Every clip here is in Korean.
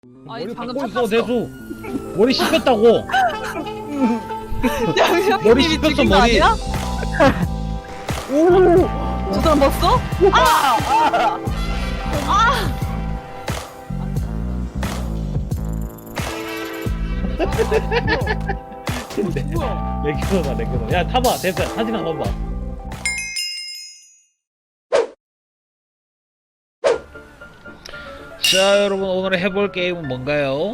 아니 머리 방금 깎고 있어 탔어. 대수. 머리 씹혔다고. 머리 양형님이 씹혔어, 죽인 거 머리. 아니야? 오, 저 사람 봤어? 근데 뭐야? 내 켜봐 내 켜봐. 야 타봐 대수야 사진 한번 봐. 자 여러분 오늘 해볼 게임은 뭔가요?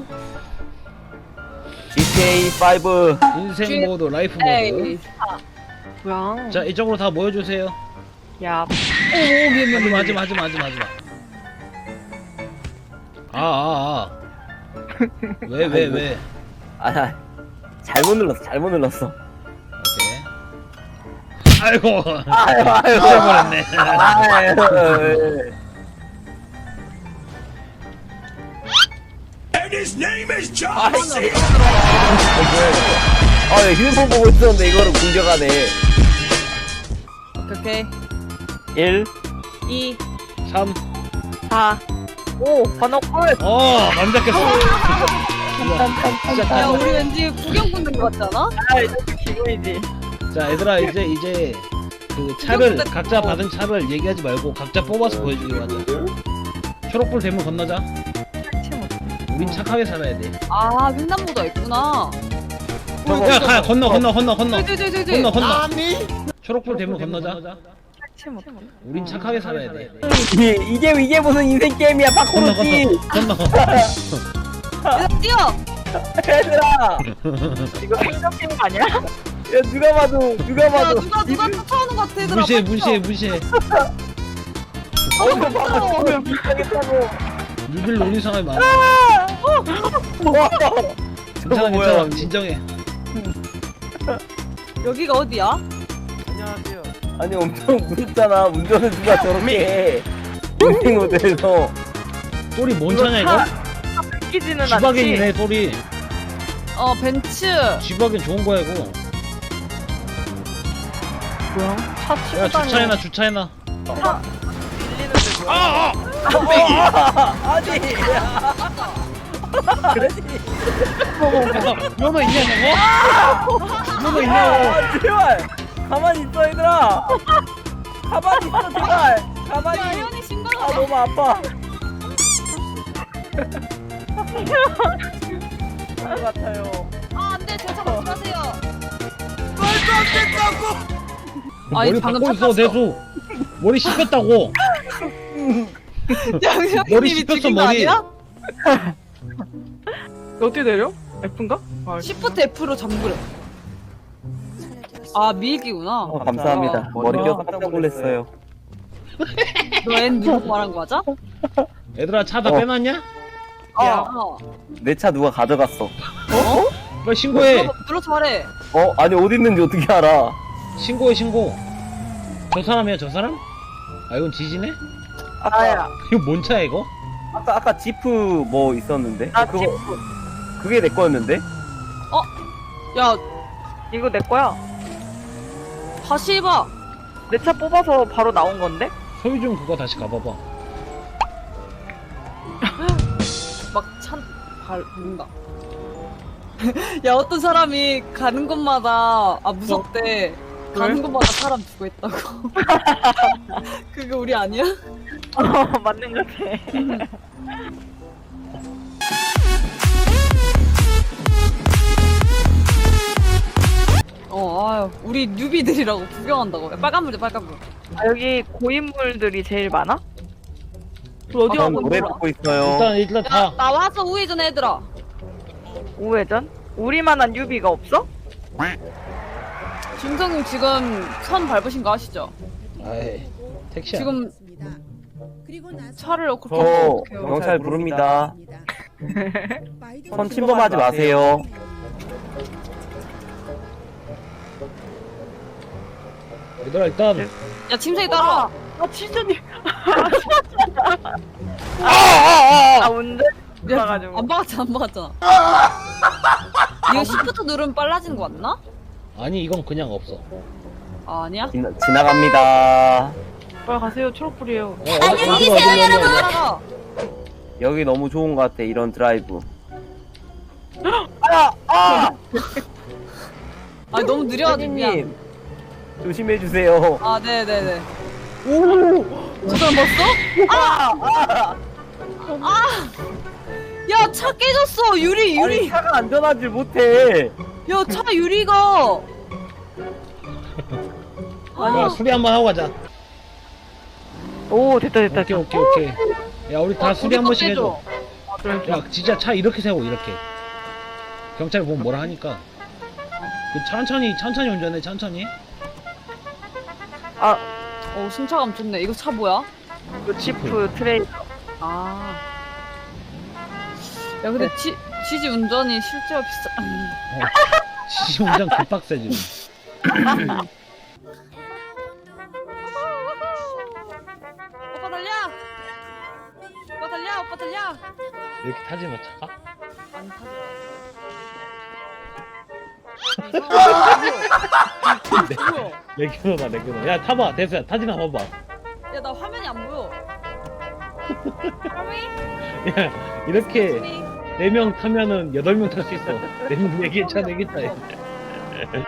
GTA 5. 인생 모드 라이프 모드. 에이. 뭐야? 자 이쪽으로 다 모여주세요. 야, 하지마. 왜? 아, 잘못 눌렀어. 오케이. 아이고. 아유. 잊어버렸네. 아유. And his name is John C. 아, 휴대폰 보고 있었는데 이거를 공격하네. 오케이. 1. 2, 3. 4, 5, 번호 꿀! 맘 잡겠어. 야 우리 왠지 구경 붙는 거 같잖아? 아, 이제 기분이지. 자 얘들아 이제 그 차를 각자 받은 차를 얘기하지 말고 각자 뽑아서 보여주기로 하자. 초록불 되면 건너자. 우린 착하게 살아야 돼. 아 횡단보도 있구나. 야 가 건너. 건너. 초록불 되면 건너자. 우린 착하게 살아야 돼. 이게 무슨 인생 게임이야, 파코로지. 건너. 얘들아 뛰어! 얘들아. 이거 행정팀 아니야? 야, 누가 봐도. 야 누가 쫓아오는 것 같아 얘들아. 무시해. 어디서 봐도 못하겠다고. 뉴빌 놀린 사람이 많아. 와. 괜찮아. 진정해. 여기가 어디야? 아니, 엄청 무섭잖아. 운전을 누가 저렇게 해. 인생 모델에서. 소리 뭔 차냐 이거? 끼지는 쥐박이네 소리. 벤츠. 쥐박이 좋은 거야 이거. 뭐야? 차 치고 야 다니는 주차해놔. 아니. 면허 있냐고? 면허 있냐고? 아, 제발. 가만히 있어, 얘들아. 가만히 있어, 제발. 가만히. 야 현이 아, 심각하다. 너무 아파. 것 같아요. 안돼 제 차 먹지 마세요. 머리 아니, 방금 깎고 있어 탔어. 대수. 머리 씹혔다고. 머리 양형님이 씹혔어, 죽인 거 머리. 아니야? 어떻게 내려? F인가? 아, Shift F로 잠그래. 아 밀기구나. 감사합니다. 머리 껴서 깜짝 놀랐어요. 너 N 누구 말한 거 맞아? 얘들아 차 다 어. 빼놨냐? 내 차 누가 가져갔어. 빨리 신고해. 눌러서 말해. 아니, 어디 있는지 어떻게 알아? 신고해. 저 사람이야 저 사람? 아 이건 지지네? 나야. 이거 뭔 차야 이거? 아까 지프 뭐 있었는데? 나 그거, 지프. 그게 내 거였는데? 야 이거 내 거야. 다시 해봐. 내 차 뽑아서 바로 나온 건데? 소유 좀 그거 다시 가봐봐. 발 뭔가. 야 어떤 사람이 가는 곳마다 무섭대. 가는 곳마다 사람 죽어 있다고. 그거 우리 아니야? 맞는 것 같아. 아유 우리 뉴비들이라고 구경한다고. 야, 빨간 물이야 빨간 물. 아, 여기 고인물들이 제일 많아? 우리 어디 전 가고 노래 있는 거야? 듣고 있어요. 일단 야 타. 나와서 우회전 얘들아. 우회전? 우리만한 유비가 없어? 김성님 지금 선 밟으신 거 아시죠? 아이 택시야. 지금 차를 그렇게 저 어떡해요. 경찰 부릅니다. 선 침범하지 마세요. 얘들아 일단 야 침생이 따라와. 아, 진짜님. 운전 야, 가가지고. 안 박았잖아. 이거 시프트 누르면 빨라지는 거 맞나? 아니 이건 그냥 없어. 아니야? 지나갑니다. 빨리 가세요. 초록불이에요. 안녕히 계세요 따라가. 여기 너무 좋은 것 같아 이런 드라이브. 아 너무 느려가지고 미안. 님 조심해 주세요. 아 네네네. 오. 저 사람 봤어? 야 차 깨졌어. 유리 아니 유리. 차가 안전하지 못해. 야 차 유리가. 야 수리 한번 하고 가자. 오 됐다 됐다. 오케이. 야 우리 다 수리 한 우리 번씩 거 해줘. 야 진짜 차 이렇게 세고 이렇게. 경찰 보면 뭐라 하니까. 그 천천히 운전해 천천히. 어 승차감 좋네. 이거 차 뭐야? 지프 트레이. 아. 야 근데 지지 운전이 실제로 비싸. 지지 운전 개빡세 지금. 오빠 달려. 오빠 달려. 오빠 달려. 이렇게 타지 마 차가? 안 타죠. 뭐야? 내 견우다. 야 타봐 대수야 타지나 봐봐. 야 나 화면이 안 보여. 야 이렇게 4명 타면은 8명 탈 수 있어. 4명 4개 차 4개 타야 돼.